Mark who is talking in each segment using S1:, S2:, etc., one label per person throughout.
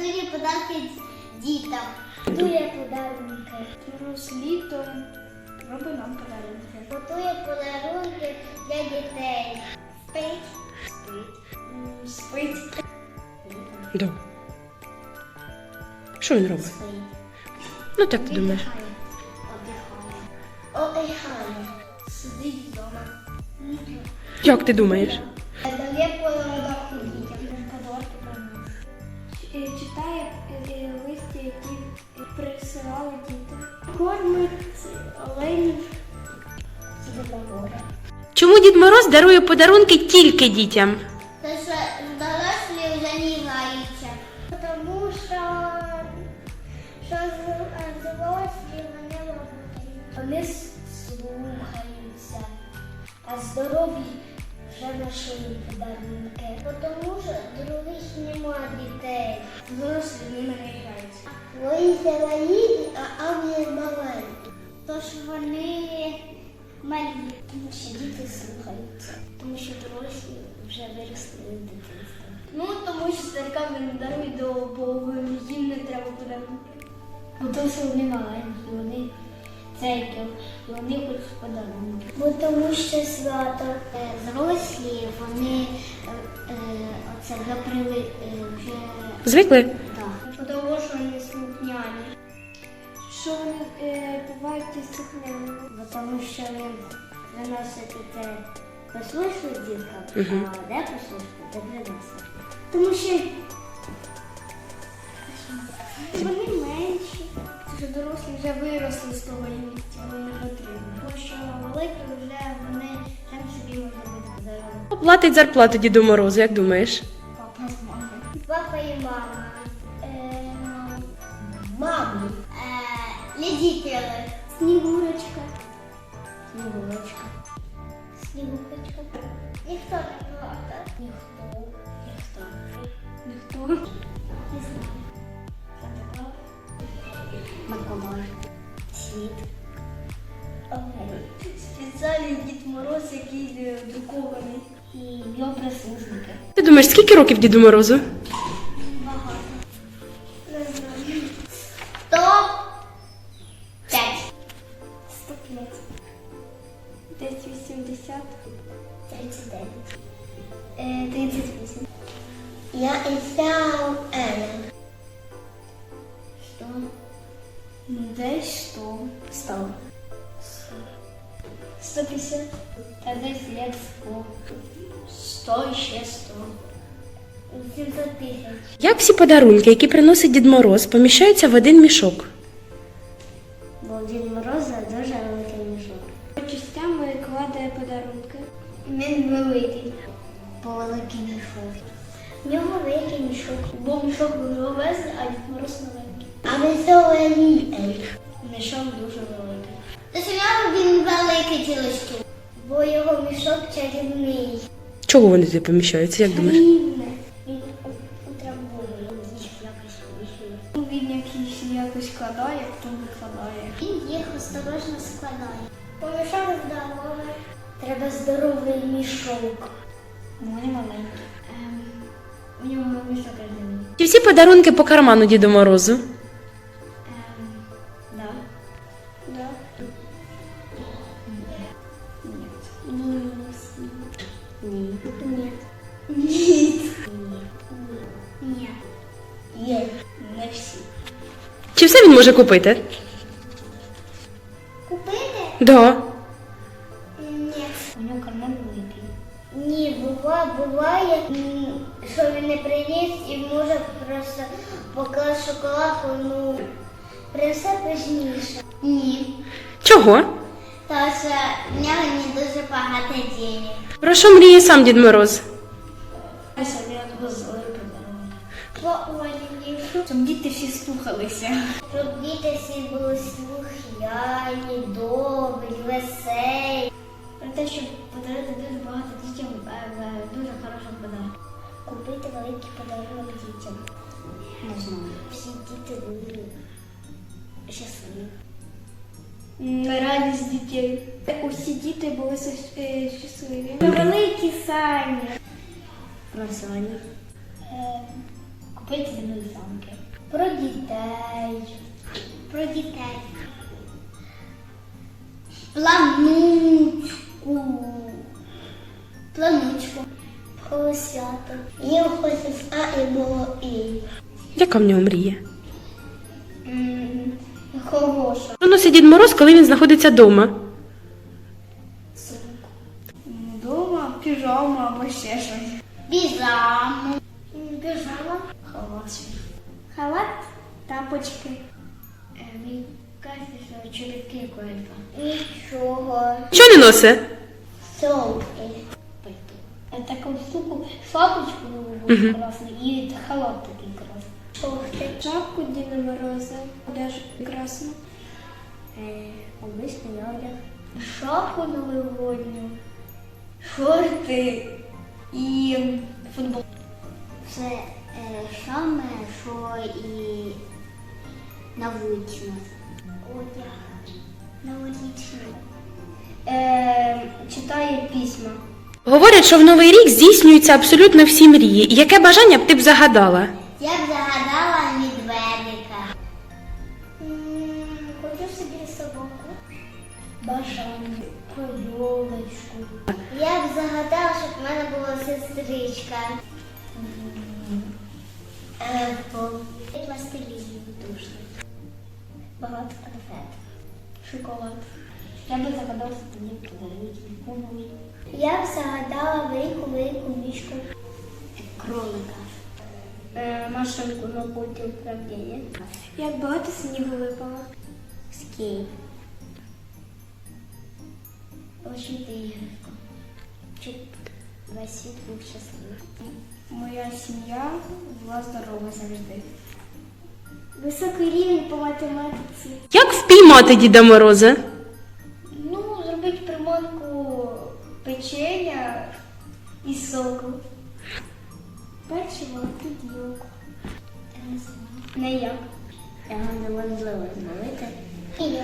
S1: дарує подарки дітям. Готує подарунки.
S2: Мороз літо робить нам подарунки.
S1: Готує подарунки для дітей. Спить.
S2: Спить.
S3: Да. Що він робить?
S1: Спить.
S3: Ну так ти думаєш.
S1: Одихає. Сидить вдома.
S3: Як ти думаєш?
S1: Дає подарунки дітям.
S2: Подарки приносить. Читає листи, які присилали діти. Кормить оленів.
S3: Чому Дід Мороз дарує подарунки тільки дітям?
S1: Тому що дорослі вже не граються. Тому що дорослі вони роблять. Вони слухаються, а здорові вже знайшли подарунки. Тому що других немає дітей.
S2: Дорослі ними не граються.
S1: Вони великі, а вони маленькі. Тож вони малі. Тому що діти слухаються. Тому що дорослі вже виросли в дитинстві.
S2: Ну, тому що старикам не дарують до Бога, їм не треба подарунки.
S1: Тому що вони маленькі, вони церкви, вони хочуть подарунки. Бо тому що свято зрослі, вони оце вже
S3: Звикли?
S1: так. Тому що вони слухняні.
S2: Що вони бувають дисципліни.
S1: Бо тому що ви виносите те послушливі діткам, а де послушливі, де приносите. Тому що
S2: Вони менші. Тому що дорослі вже виросли з того місця, вони не потрібні.
S1: Тому що великі вже вони там собі можуть бути подарунки.
S3: Платить зарплату Діду Морозу, як думаєш?
S2: Папа з мамою.
S1: Папа і мама. Мамі. Ледителі.
S2: Снігурочка.
S1: Снігурочка. Снігурочка. Ніхто не плакав. Ніхто.
S2: Ніхто.
S1: Не знаю. Миколай. Світ.
S2: Спеціальний Дід Мороз, який друкований.
S1: І його прислужники.
S3: Ти думаєш, скільки років Діду Морозу?
S1: Багато.
S2: Не знаю.
S1: 105.
S2: 105. Десь 80.
S1: 39. 38. Я Ісяу Елен. 100.
S2: Десь 100.
S1: 100.
S2: 150.
S1: Та десь як 100.
S2: 100 і ще 100.
S1: 800 тисяч.
S3: Як всі подарунки, які приносить Дід Мороз, поміщаються в один мішок?
S1: Бо у Дід Мороза дуже великий мішок.
S2: По частям кладе подарунки.
S1: Він великий. Бо великий мішок. В нього великий мішок.
S2: Бо мішок великий, а Дід Мороз маленький.
S1: А веселий.
S2: Мішок дуже великий.
S1: Та чому він великий тілочки? Бо його мішок чарівний.
S3: Чого вони туди поміщаються, як думаєш?
S1: Рівне. Він утрамбує їх якось вихід.
S2: Він якось складає, потім викладає.
S1: Він їх осторожно складає. Бо мішок здоровий. Треба здоровий мішок.
S2: Вони маленькі.
S1: У нього мішок розумний.
S3: Чи всі подарунки по карману Діду Морозу?
S1: Да.
S2: Да.
S1: Ні. Ні. Ні.
S2: Ні.
S1: Ні. Є.
S2: Не всі.
S3: Чи все він може купити?
S1: Купити?
S3: Да.
S1: Ні.
S2: У нього карман великий.
S1: Ні, буває, що він не приніс і може просто покласти шоколадку, ну, принесе пізніше. Ні.
S3: Чого?
S1: Тому що в нього не дуже багато денег.
S3: Про що мріє сам Дід Мороз?
S2: Я собі відвозили подарунки.
S1: По Олівні.
S2: Щоб діти всі слухалися.
S1: Щоб діти всі були слухняні, добрі, веселі.
S2: Про те, щоб подарувати дуже багато дітям дуже хороших подарунків.
S1: Купити великий подарунок дітям.
S2: Не знаю.
S1: Всі діти були щасливі.
S2: Радість дітей. Усі діти були щасливі.
S1: Великі сані. Про сані. купити зі мною замки. Про дітей. Про дітей. Планучку. Планучку. Про свято. Я хочу з А і було І.
S3: Яка в нього мрія?
S1: Хороша.
S3: Що носить Дід Мороз, коли він знаходиться вдома?
S2: Дома піжама або ще щось.
S1: Піжаму. Піжама. Халат.
S2: Халат, тапочки.
S1: Він каже, що чоловіки колька. Нічого.
S3: Що не носить?
S1: Солки. Таку штуку, шапочку нову красну і халат такий красний.
S2: Шапку Діда Мороза, одежу красну.
S1: Обичний одяг. Шапку новогодню. Шорти і футбол. Це саме, що і на вулиці у нас. Одяг. Новорічний. Читає письма.
S3: Говорять, що в Новий рік здійснюються абсолютно всі мрії. Яке бажання б ти б загадала?
S1: Я б загадала медведика. Хочу собі собаку. Бажання. Про ёлочку. Я б загадала, щоб в мене була сестричка. Пластилін душний. Багато конфет. Шоколад. Я б загадала, що мені подарують нікому. Я б загадала велику мішку. Кролика. Машинку на пульті управління.
S2: Як багато снігу випало.
S1: Скейт. Получити іграшку. Щоб весь світ був щасливий.
S2: Моя сім'я була здорова завжди. Високий рівень по математиці.
S3: Як впіймати Діда Мороза?
S2: Ну, зробити приманку печення і соку. Печиво, підйоку.
S1: Я не знаю.
S2: Не як.
S1: Його неможливо зловити. Ніяк.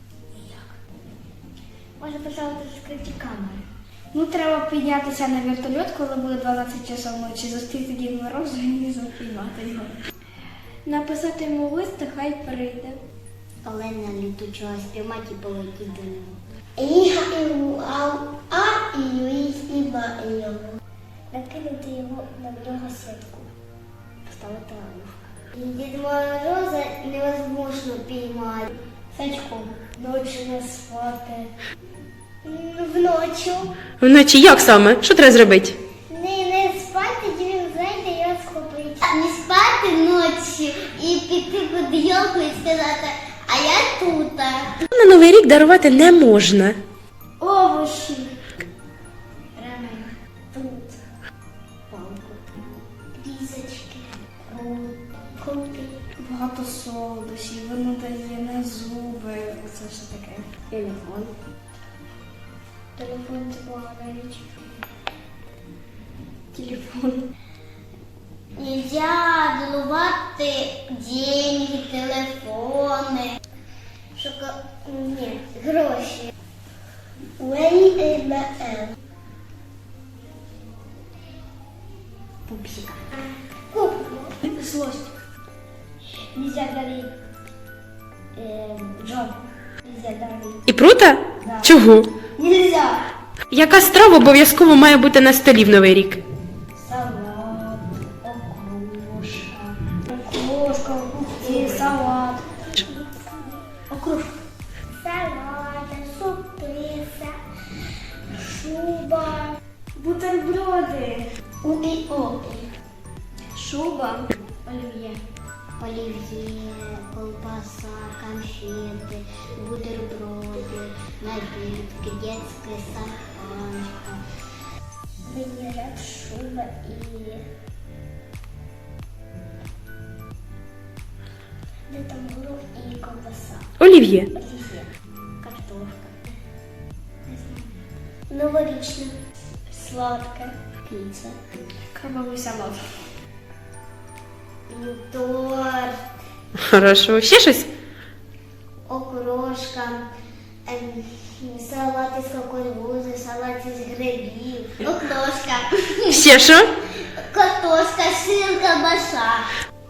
S1: Може поставити скриті камери.
S2: Ну, треба піднятися на вертольот, коли буде 12 часов ночі, зустріти Дід Мороза і запіймати його. Написати йому лист, та хай прийде.
S1: Олена літучого спіймати і полетіть до нього. А і Юїсь і Ба і його. Накинути його на нього сітку. Поставити ловушку. Дід Мороза невозможно піймати. Сачком. Ночі не спати. Вночі.
S3: Вночі як саме? Що треба зробити?
S1: Не спати, він зайде і його схопить. Не спати ночі і піти під йолку і сказати, а я тут.
S3: На Новий рік дарувати не можна.
S1: Овочі. Ремень. Тут. Палку. Різочки. Крути.
S2: Багато солодощів, воно дає на зуби. Оце що таке.
S1: Телефон. Телефон це погана річ.
S2: Телефон.
S1: Нельзя доливати деньги, телефони. Ні, гроші. Пупсика. Куклу.
S2: Злость.
S1: Нельзя дарить Джон. Нельзя дарить.
S3: І прута?
S1: Да.
S3: Чого?
S1: Нельзя.
S3: Яка страва обов'язково має бути на столі в Новий рік?
S1: Салат, окрошка. Окрошка,
S2: І салат.
S1: окрошка. Салат, суписа, шуба.
S2: Бутерброди.
S1: О.
S2: Шуба.
S1: Олів'є. Олів'є, колбаса, конфети, бутерброди, напитки, детская саханка, винегрет, шуба и... Де там горох і колбаса.
S3: Олів'є.
S1: Олів'є. Картошка. Не знаю. Новорічне. Сладке. Піца.
S2: Крабовий салат.
S1: Торт.
S3: Хорошо. Ще щось?
S1: Окрошка, салат із кукурудзи, салат із грибів, окрошка,
S3: Ще що?
S1: картошка, сир, колбаса.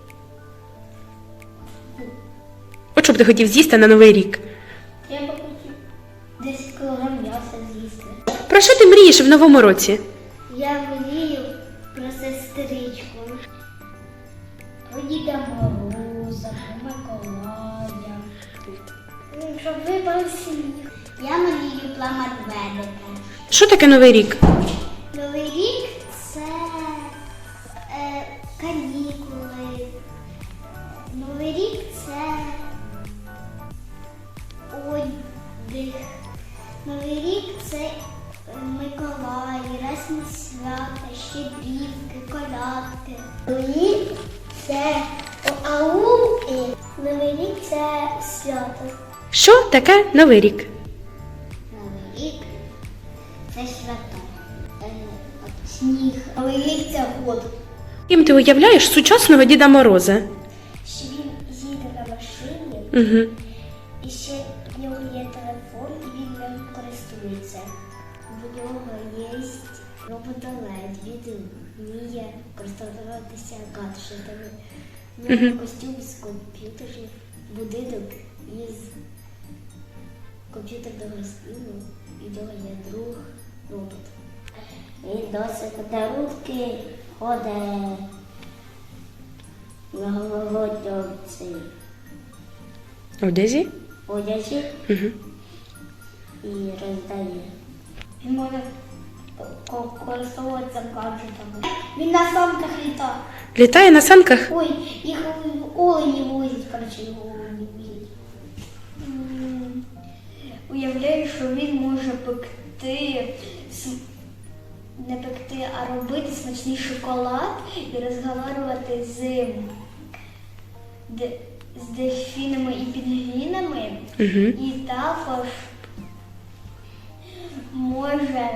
S3: От що б ти хотів з'їсти на Новий рік?
S1: Я би хотів 10 кілограм м'яса з'їсти.
S3: Про що ти мрієш в новому році?
S1: Я мрію про сестричку, про Діда Мороза, про Миколая. Щоб випав сніг. Я мрію про медведика.
S3: Що таке Новий рік?
S1: Новий рік це канікули. Новий рік це отдих. Новий рік це Миколай, різні свята, щедрівки, колядки. Новий рік це ауки. Новий рік це свято.
S3: Що таке Новий рік?
S1: Новий рік це свято. Сніг. Новий рік це год.
S3: Ким ти уявляєш сучасного Діда Мороза?
S1: Що він їде на машині,
S3: Угу.
S1: і ще в нього є телефон, і він ним користується. В нього є роботолед, він вміє користуватися гаджетами. В нього костюм з комп'ютерів, будинок із комп'ютерного стилу, і в нього є друг робот. Він носить подарунки, ходить на голодовці
S3: Одязі?
S1: одязі
S3: Угу.
S1: і роздає. Він може користуватися гаджетами. Він на санках літає.
S3: Літає на санках?
S1: Ой, їх олені возять, коротше, його олені возять.
S2: Уявляю, що він може пекти, не пекти, а робити смачний шоколад і розговорювати з дельфінами і пінгвінами.
S3: Угу.
S2: І також може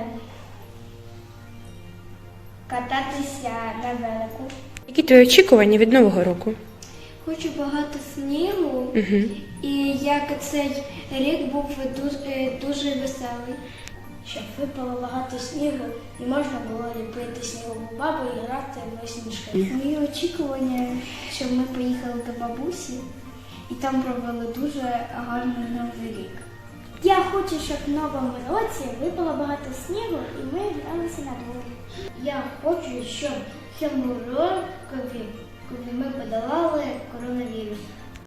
S2: кататися на велику.
S3: Які твої очікування від Нового року?
S2: Хочу багато снігу,
S3: Угу.
S2: і як цей рік був дуже веселий.
S1: Щоб випало багато снігу і можна було ліпити снігову бабу і грати в сніжки.
S2: Мої очікування, щоб ми поїхали до бабусі і там провели дуже гарний Новий рік.
S1: Я хочу, щоб в новому році випало багато снігу і ми гралися на дворі. Я хочу, щоб цьому рокові ми подолали коронавірус.